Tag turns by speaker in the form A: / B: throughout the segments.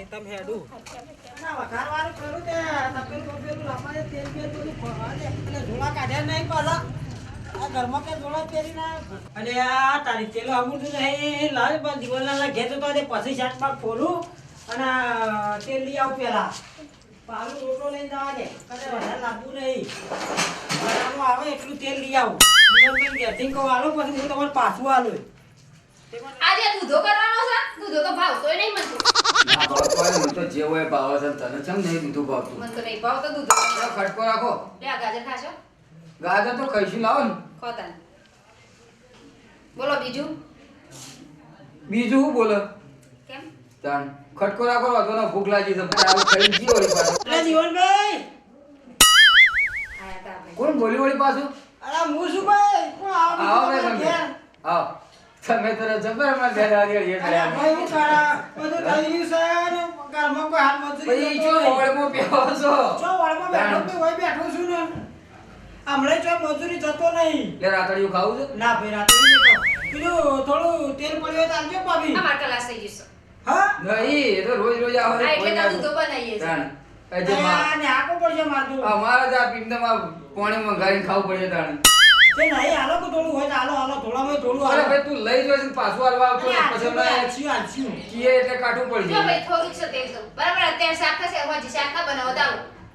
A: તમે હેડું
B: ના વઘારવાનું કરું તે તપેલ બપેલું લાવવાને તેલ બેલ બધું ખવા દે અને ઝોળા કાઢ્યા નહીં પાછા આ ઘરમાં કે ઝોળા પહેરી ના અને આ તારી તેલો અમૂર્તું નહીં લાવ પણ દિવાલના ઘેર તો તે પછી શાકમાં ખોલું અને તેલ લઈ આવું પેલા પાલું રોટલો લઈને જવા દે કદાચ વધારે લાવવું નહીં બનાવવાનું આવે એટલું તેલ લઈ આવું દિવાલમાં ઘેરથી કહું આલો પછી હું તમારે પાછું આલું
C: આજે દૂધો કરવાનો છે દૂધો તો ભાવતોય નહીં મને
D: તો જે હોય ભાવ છે તને ચમ નહીં દીધું ભાવતું
C: મને તો નહીં ભાવતો દૂધો
D: ખટકો રાખો
C: લે આ ગાજર ખાશો
D: ગાજર તો કઈશું લાવો ને
C: ખોતા બોલો બીજું
D: બીજું શું બોલે
C: કેમ
D: તાન ખટકો રાખો વાતો ને ભૂખ લાગી છે આવું ખાઈ ગયો વળી પાછું
B: અરે જીવનભાઈ
C: આયા તા આપણે
D: કોણ બોલી વળી પાછું
B: અરે હું શું ભાઈ કોણ
D: આવો
B: આવો
D: ને તમે આવો તમે તો જબર હમણાં ઘરે આવી
B: અરે ભાઈ હું કરા બધું થઈ ગયું છે ને ઘરમાં કોઈ હાથ મજૂરી
D: પછી જો ઓળમાં બેહો છો
B: ચો વાળમાં બેઠો કે હોય બેઠો છું ને હમણાં ચો મજૂરી જતો નહીં
D: લે રાતડિયું ખાવું છે
B: ના ભાઈ રાતે નહીં ખાવ. બીજું થોડું તેલ પડ્યું હોય તો આવજો ભાભી
C: આ માર કલાસ થઈ જશે
B: હા
D: નહીં એ તો રોજ રોજ આવે
C: આ એટલે તો દૂધો બનાવીએ છે
D: તાણ એ જે
B: ને આખો પડશે મારતું
D: અમારે જ આ પીંડામાં પાણી મંગાવીને ખાવું પડે તાણ
B: તે નહીં હાલો કે થોડું હોય તો હાલો હાલો થોડામાં થોડું
D: અરે
B: હાલો
D: ભાઈ તું લઈ જોઈશ ને પાછું હાલવા આવતો ને પછી હમણાં
B: આલસ્યું આલસ્યું
D: કીએ એટલે કાઠું પડી
C: જો
D: જાય
C: ભાઈ થોડુંક છે તેલ તો બરાબર અત્યારે શાક થશે હોજી શાક ના બનાવો ચાલો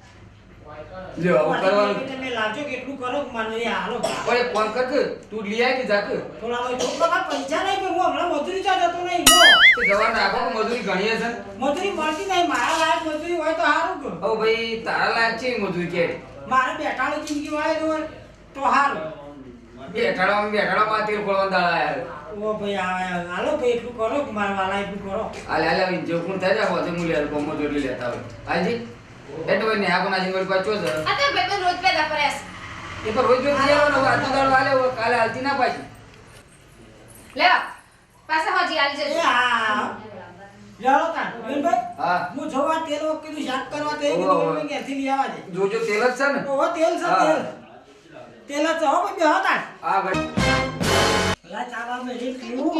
D: લ્યો આવું કરવાનું
B: તમે લાવજો કેટલું કરો મને હાલો
D: ઓય ફોન કર કે તું લઈ આય કે જાક
B: થોડા હોય થોડા પૈસા નહીં કે હું હમણાં મજૂરી ચા જતો નહીં જો
D: તે જવા નાખો કે મજૂરી ઘણી હશે ને.
B: મજૂરી મળતી નહીં મારા લાયક મજૂરી હોય તો સારું કે
D: હવે ભાઈ તારા લાયક છે ઈ મજૂરી કે
B: મારે બેઠાડી જિંદગી વાળે હોય તો સારું
D: બેઠાડામાં તેલ ખોળવા દાડા યાર
B: ઓ ભાઈ હાલો ભાઈ એટલું કરો કે મારા વાલા એટલું કરો
D: હાલે હાલે આવી જો કોણ થાય જાય હોતે મુલી હાલ કોમો જોડી લેતા હોય હાલજી એટલે હોય ને આ કોના જીવન પાછો છે
C: આ તો ભાઈ પણ રોજ પેદા કરે છે
D: એ તો રોજ રોજ જીવવાનો આજનો દાડો હાલે હવે કાલે હાલતી ના પાછી
C: લે પાછા હોજી આલી
B: એ
C: જજો
B: હા જાઓ તા ભાઈ
D: હા
B: હું જોવા તેલ કીધું શાક કરવા તે
D: ઓહો.
B: કીધું મેં ઘેરથી લઈ આવવા દે
D: જોજો તેલ જ છે ને
B: ઓહો તેલ છે
D: હા.
B: તેલ જ છે હો ભાઈ બેહો તા
D: આ ભાઈ
B: લા ચાવા મે જે પીવું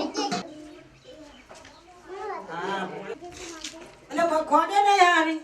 B: હા અલે ખોડે નહીં હારી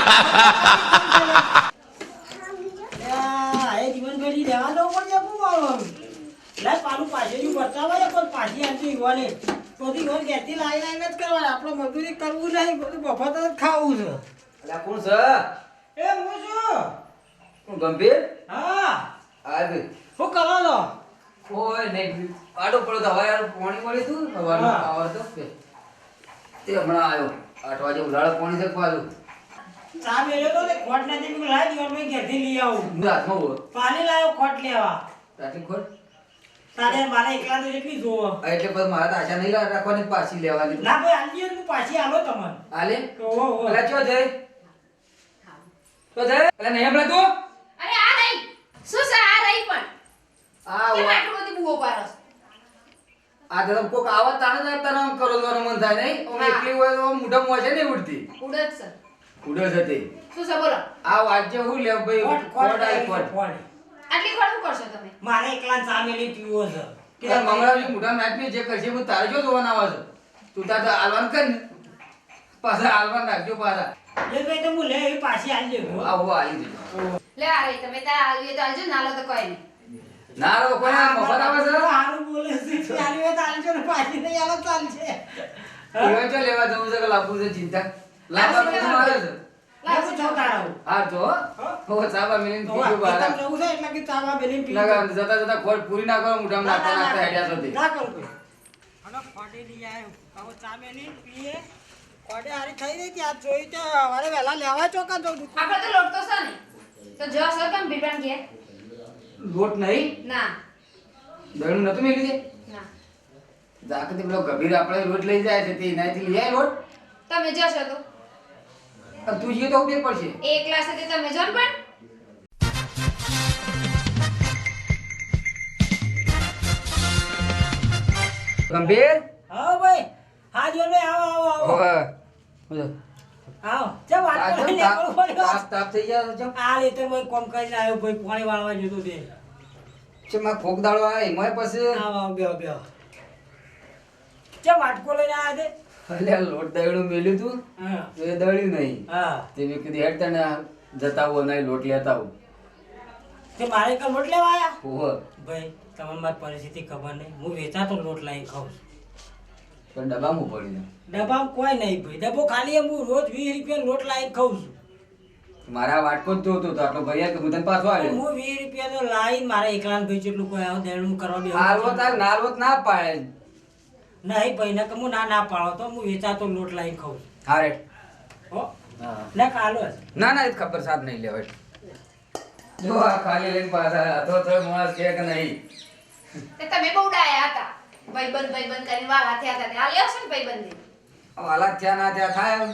B: યા એ જીવન ભરી દેવા દો પડે હું આવો લે પાલું પાછેથી બતાવા પણ પાછી આંટી ઈવાને બધી ઘર ઘેરથી લાઈ લાઈને જ કરવાના આપણે મજૂરી કરવું નહીં બધું મફત જ ખાવું છે
D: અલ્યા કોણ છે
B: એ હું છું
D: કોણ ગંભીર
B: હા
D: આ ભાઈ
B: શું કરો છો
D: કોઈ નહીં આડો પડો તો હવારે પાણી મળી તું હવારનો
B: હા.
D: પાવર તો તે હમણાં આવ્યો 8 વાગે ઉધાળો પાણી છે પાછું
B: ચા મેલ્યો તો તે ખોટ નથી મેં લાઈ દીવાન મેં ઘેરથી લઈ આવું
D: હું હાથમાં બોલ
B: પાણી લાવ્યો ખોટ લેવા
D: રાતે ખોટ
B: તારે મારે એકલા તો જેટલી જોવો
D: એટલે પછી મારા તો આશા નહીં રાખવાની પાછી લેવાની
B: ના ભાઈ આલી હું પાછી આલો તમને
D: આલે
B: ઓહો ઓહો
D: અલા ચો જય તો જય અલા નહીં હમણાં તું
C: અરે આ નહીં શું છે આ રહી પણ
D: આ
C: કેમ
D: વા-
C: આટલું બધું બુઓ પાડો છો?
D: આ તો કોક આવત તાણે જ તને આમ કરવાનું મન થાય નહીં આમ
C: હા.
D: એકલી હોય તો આમ મોઢા મોઢે નહીં ઉડતી
C: ઉડદ છે
D: ઉડે છે તે
C: શું છે બોલો
D: આ વાજ્ય હું લે ભાઈ
B: ખોટ
D: ખોટ
B: ખોટ
D: આય ખોટ
B: ખોટ
C: આટલી ખોટ શું કરશો તમે
B: મારે એકલા ચા મેલી પીવો છે
D: કે મંગળાજી મોઢા નાખી જે કરશે હું તારે જો જોવાના આવે છે તું તાર તો આલવાન કર ને પાછા આલવાન રાખજો પાછા
B: એ ભાઈ તો હું લે એ પાછી આલી દેવું
D: આવો આવી જજો
C: લે આ રહી તમે તાર આલવી હોય તો આલજો ના લો તો કોઈ નહીં
D: ના રો કોઈ આ મફત આવે છે
B: હારું બોલે છે આલી હોય તો આલજો ને પાછી નહીં આલો તો ચાલશે
D: ઈવન ચો લેવા જવું છે કે લાવવું છે ચિંતા લાવવા પૈસા મારે છે
B: લાગુ છો તારો
D: હા તો હો સાબા મિલીને
B: તો
D: બીજું બહાર
B: આ જવું છે એટલે કે ચાવા મેલી પીવો
D: લગા જતા જતા ખોટ પૂરી ના કરો મોઢામાં નાખતા નાખતા હેડ્યા સુધી
B: ના કરું કોઈ હલો ખોટે લઈ આવ્યો હવે ચા મેલી પીએ ખોટે હારી થઈ રહી ત્યાં જોઈ તો હવારે વહેલા લેવા ચોકા જવું
C: આપણે તો લોટ તો છે ને તો જો સર કેમ બીબાન કે
D: લોટ નહીં
C: ના
D: દળનું નતું મેલી છે
C: ના
D: જાકતે પેલો ગભીર આપણે લોટ લઈ જાય છે તે એનાથી લઈ આય લોટ
C: તમે જશો તો
D: અને તું જઈએ તો બે પડશે
C: એક ક્લાસ હતી તમે જો ને પણ
D: ગંભીર
B: હા ભાઈ હા જો ને આવો આવો આવો
D: ઓય
B: આવો ચા વાત કરી લેવાનું પડ્યો
D: તાપ તાપ થઈ ગયા છે
B: આ રીતે મેં કોમ કરીને આવ્યો ભાઈ પાણી વાળવા જતો તે
D: છે માં ફોક દાડો આવે એમાં પછી
B: આવો આવો બેહો બેહો ચા વાટકો લઈને આવ્યા તે
D: અલ્યા લોટ દળ્યું મેલ્યું તું
B: હા
D: તો એ દળ્યું નહીં
B: હા
D: તે મેં કીધું હેડ તને જતા આવો અને લોટ લેતા આવું
B: તે મારે કઈ લોટ લેવા આયા
D: ઓહો
B: ભાઈ તમને મારી પરિસ્થિતિ ખબર નહીં હું વેચાતો લોટ લાવીને ખાઉં છું
D: પણ ડબ્બામાં પડી જાય
B: ડબ્બામાં કોઈ નહીં ભાઈ ડબ્બો ખાલી હું રોજ 20 રૂપિયા લોટ લાવીને ખાઉં છું
D: મારા વાટકો જ જોતો તો આટલો ભૈયા કે હું તને પાછો આવ્યો
B: હું 20 રૂપિયા તો લાવીને મારે એકલાને ભાઈ જેટલું કોઈ આવું દેણું કરવા બે
D: હાલવો તાર નાલવો જ ના પાડે
B: નહીં ભાઈ ને હું ના પાડો તો હું વેચાતો લોટ લાવીને ખાઉં છું
D: હા રે
B: હો
D: હા
B: ને કાલો જ
D: ના ના એ તો ખબર સાથ નહીં લેવાય જો આ ખાલી લઈને પાછા તો માણસ કે નહીં
C: તે તમે બહુ ડાયા હતા ભાઈબંધ કરીને વાલા થયા હતા તે આ લેવશે ને ભાઈબંધી
D: વાલા ત્યાં ના ત્યાં થાય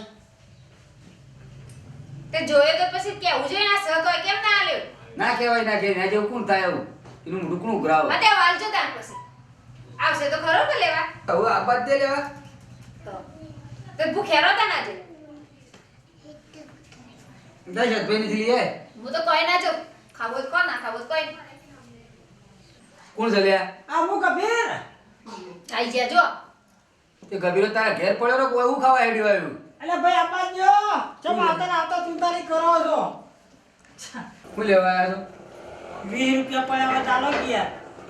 C: તે જોયે તો પછી કેવું જોઈએ ના સહ તો કેમ ના આલ્યો
D: ના કહેવાય ના કહેવાય જેવું કોણ થાય એવું એનું ઢુકણું ઉઘરાવ
C: મતે વાલજો તાન પછી આવશે તો ખરો કે લેવા
D: હવે આ બાદ દે લેવા
C: તો તે ભૂખ્યા રહો તા ના જે
D: દશરથ ભાઈ નથી લે
C: હું તો કોઈ ના જો ખાવો તો કોણ ના ખાવો તો કોઈ
D: કોણ છે લ્યા
B: આ હું કબીર
C: આઈ જા જો
D: તે ગભીરો તારા ઘેર પડ્યો ને કોઈ એવું ખાવા હેડ્યું આવ્યું
B: અલે ભાઈ આપા જો ચમ આવતા ચિંતાની કરો છો
D: હું લેવા આવ્યો છો
B: 20 રૂપિયા પડ્યા ચાલો ગયા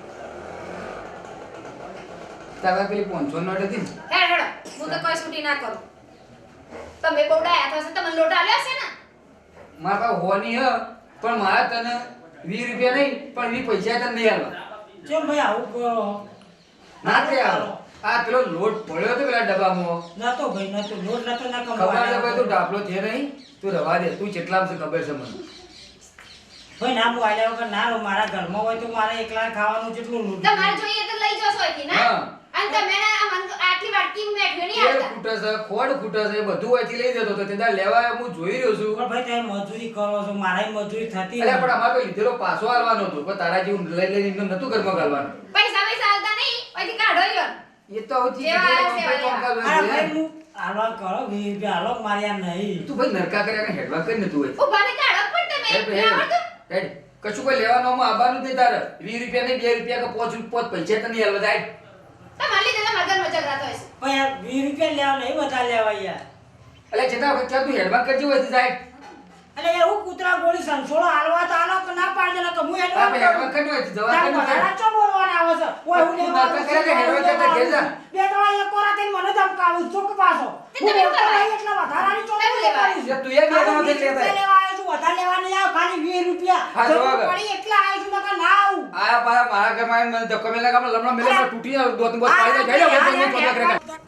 D: તારા પેલી 500 નોટ હતી ને
C: હેડ હેડો હું તો કોઈ છૂટી ના કરું તમે બહુ ડાયા થશે તમને લોટ આલ્યો છે ને
D: મારા પાસે હોની હ પણ મારા તને 20 રૂપિયા નહીં પણ 20 પૈસા તને નહીં આલવા
B: ચમ ભાઈ આવું કરો
D: ના તે આવો આ પેલો લોટ પડ્યો તો પેલા ડબ્બામાં
B: નતો ભાઈ નતો લોટ નતો ના
D: ખબર છે ભાઈ તું ડાપલો છે નહીં તું રવા દે તું જેટલામ છે ખબર છે મને
B: ભાઈ ના હું આલ્યા વગર ના રહું મારા ઘરમાં હોય તો મારે એકલા ખાવાનું જેટલું લોટ
C: તમારે જોઈએ તો લઈ જશો અહીંથી ના
D: હા.
C: અને તમે આટલી વાટકી મેઠવી નહીં
D: તેલ
C: આવતા
D: ખૂટે છે ખોડ ખૂટે છે એ બધું અહીંથી લઈ જતો તો તે દાડ લેવા આવ્યો હું જોઈ રહ્યો છું
B: પણ ભાઈ તમે મજૂરી કરો છો મારા મજૂરી થતી
D: અલ્યા પણ અમારે તો લીધેલો પાછો આલવાનો હતો પણ તારા જેવું લઈ લઈને એમને નતું ઘરમાં ગાલવાનું
C: પૈસા આલતા નહીં અહીંથી કાઢો યો
D: એ તો હવે
C: જેવા
D: લીધેલો
C: આવે
D: કંપની
B: અરે
D: કામ
B: ભાઈ
D: કરવાનું
B: હું હાલવા કરો 20 રૂપિયા હાલો મારે યાર નહીં
D: તું ભાઈ નરકા કર્યા હેડવા કરી ને તું હોય
C: ઉભાને કાઢો પણ તમે
D: હેડ ભાઈ,
C: આવડતું
D: હેડ. કશું કોઈ લેવાનું આવવાનું જ નહીં તારે 20 રૂપિયા નહીં 2 રૂપિયા કે 5 પૈસા તો નહીં હાલવા જાય
C: તમારે લીધે તો મગર મચક રાતો હશે
B: પણ યાર 20 રૂપિયા લેવા નહીં બધા લેવા યાર
D: અલ્યા છતાં વખત તું હેડવા કરજો હોય સાહેબ
B: અરે યાર હું કૂતરા ગોળી સંસોળો હાલવા તો હાલો કે ના પાડજે ના કે હું
D: આ
B: હેડવા
D: ભાઈ હેડવા કરજો હોય જવા
B: તાર
D: કરજો
B: વધારા ચો બોલવાના આવે છે ઓય હું
D: તું
B: લેવા
D: નાટક કરે કે હેડવા જતા ઘેર જા.
B: બે ત્રણ એક કોરા થઈને મને ધમકાવું ચોક પાછો
C: તે
B: હું
C: તમે
B: બોલતો
C: કરવા
B: નહીં એટલે વધારાની ચોક
C: તમે લેવા
B: કરીશ.
D: તું એ બે જણા થઈ લેતા
B: લેવા આવ્યો છું વધારે લેવા નહીં આવ ખાલી 20 રૂપિયા
D: હા,
B: જરૂર
D: જવા દે.
B: પડી એટલે આવ્યો છું નકર ના આવું
D: આયા પાયા મારા ઘરમાં આવીને મને ધક્કો મેલા કામ લમણા મેલે તૂટી જાય દોત બોત પાડી જાય જઈ લો ભાઈ કોના કરે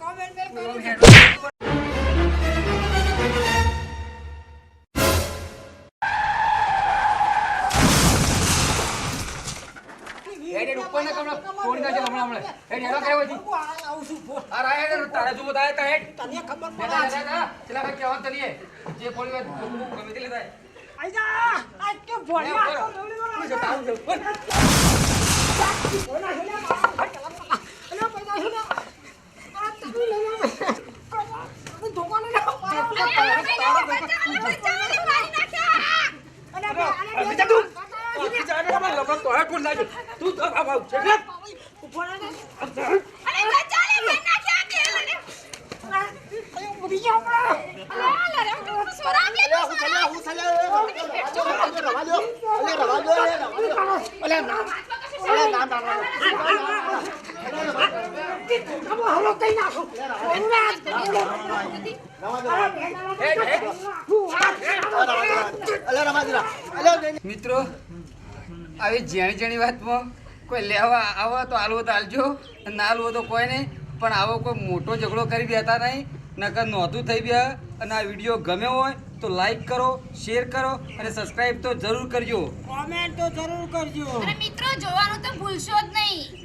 D: હેડ ઉપર ને કમળા તોડી નાખે લમણા હમણે હેડ હેડવા કરે હોય
B: આવું છું બોલ.
D: આ રાય હેડ તારા જુઓ તારે તા હેડ
B: તને ખબર પડે
D: ચલા
B: છે.
D: ચલા ભાઈ કેવા તલીએ જે પોળી વાત ગમે તે લેતા
B: આઈ જા આ કે ભોળિયા તો લવડી વાળા.
D: હું જતા આવું છું
B: ઓલા હેલા અલે પૈસા છે ને આ તમે લેવા દુકાને ના
D: મિત્રો આવી જેણી જેણી વાતમાં કોઈ લેવા આવો તો આલવો તો આલજો ના આલવો તો કોઈ નહીં પણ આવો કોઈ મોટો ઝઘડો કરી દેતા નહીં નકર નોંધું થઈ ગયા અને આ વિડીયો ગમ્યો હોય તો લાઈક કરો શેર કરો અને સબસ્ક્રાઈબ તો જરૂર કરજો
B: કોમેન્ટ તો જરૂર કરજો
C: અને મિત્રો જોવાનું તો ભૂલશો જ નહીં